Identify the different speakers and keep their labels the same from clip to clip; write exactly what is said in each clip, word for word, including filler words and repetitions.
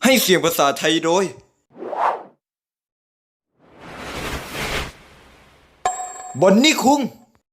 Speaker 1: ให้เสียงภาษาไทยโดยบอนนี่คุง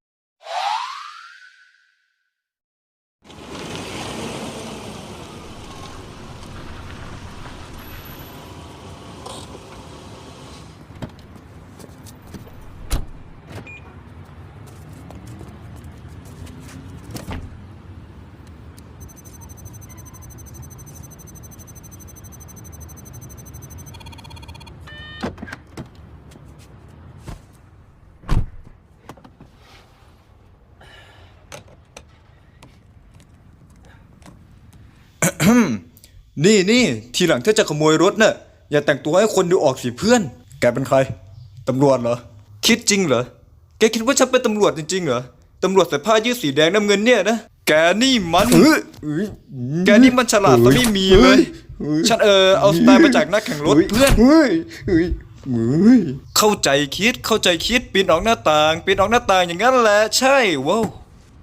Speaker 1: นี่นี่ทีหลังถ้าจะขโมยรถน่ะอย่าแต่งตัวให้คนดูออกสิเพื่อนแกเป็นใครตำรวจเหรอคิดจริงเหรอแกคิดว่าฉันเป็นตำรวจจริงๆเหรอตำรวจใส่ผ้ายืดสีแดงน้ำเงินเนี่ยนะแกนี่มันแกนี่มันฉลาดซะไม่มีเลยฉันเออเอาสไตล์มาจากนักแข่งรถเพื่อนเข้าใจคิดเข้าใจคิดปีนออกหน้าต่างปีนออกหน้าต่างอย่างนั้นแหละใช่ว้าว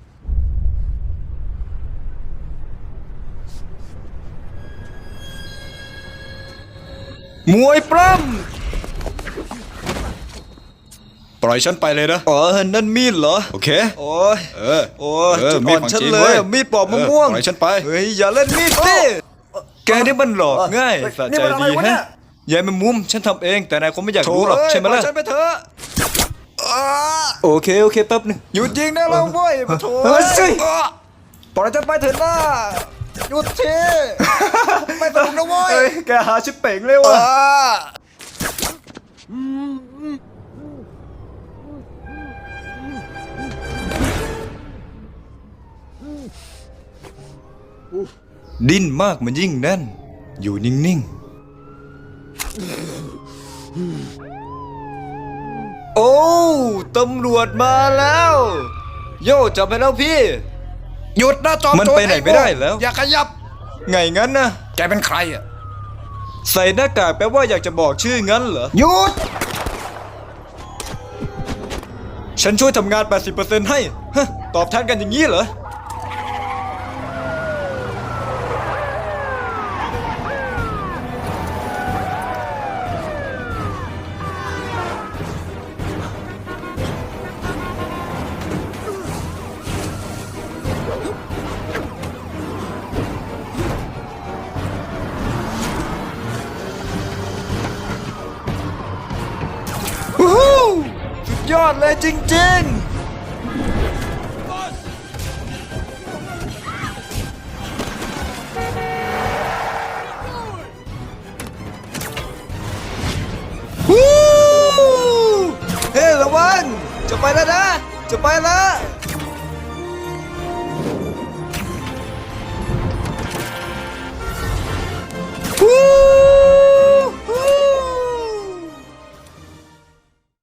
Speaker 1: มวยปล้ำปล่อยฉันไปเลยนะอ๋อนั่นมีดเหรอโอเคโอ้ยเออโอ้ยจุดอ่อนฉันเลยมีดปอกมะม่วงปล่อยฉันไปเฮ้ยอย่าเล่นมีดสิแกนี่มันหลอกง่ายสะใจดีฮะยายแมงมุมฉันทำเองแต่นายคงไม่อยากรู้หรอกใช่ไหมล่ะฉันไปเถอะโอเคโอเคแป๊บนึงหยุดยิงได้แล้วเว้ยมาโถปล่อยฉันไปเถอะนะหยุดทีไม่สนุกนะเว้ยแกหาชิปเป่งเลยว่ะดิ้นมากมันยิ่งแน่นอยู่นิ่งๆโอ้ตำรวจมาแล้วโย่จับไปแล้วพี่หยุดนะจอมโจรมันไปไหนไม่ได้แล้วอย่าขยับไงงั้นนะแกเป็นใครอ่ะใส่หน้ากากแปลว่าอยากจะบอกชื่องั้นเหรอหยุดฉันช่วยทำงาน แปดสิบเปอร์เซ็นต์ ให้ฮะตอบแทนกันอย่างนี้เหรอสุดยอดเลยจริงๆฮู้เฮ้ระวังจะไปแล้วนะจะไปแล้ว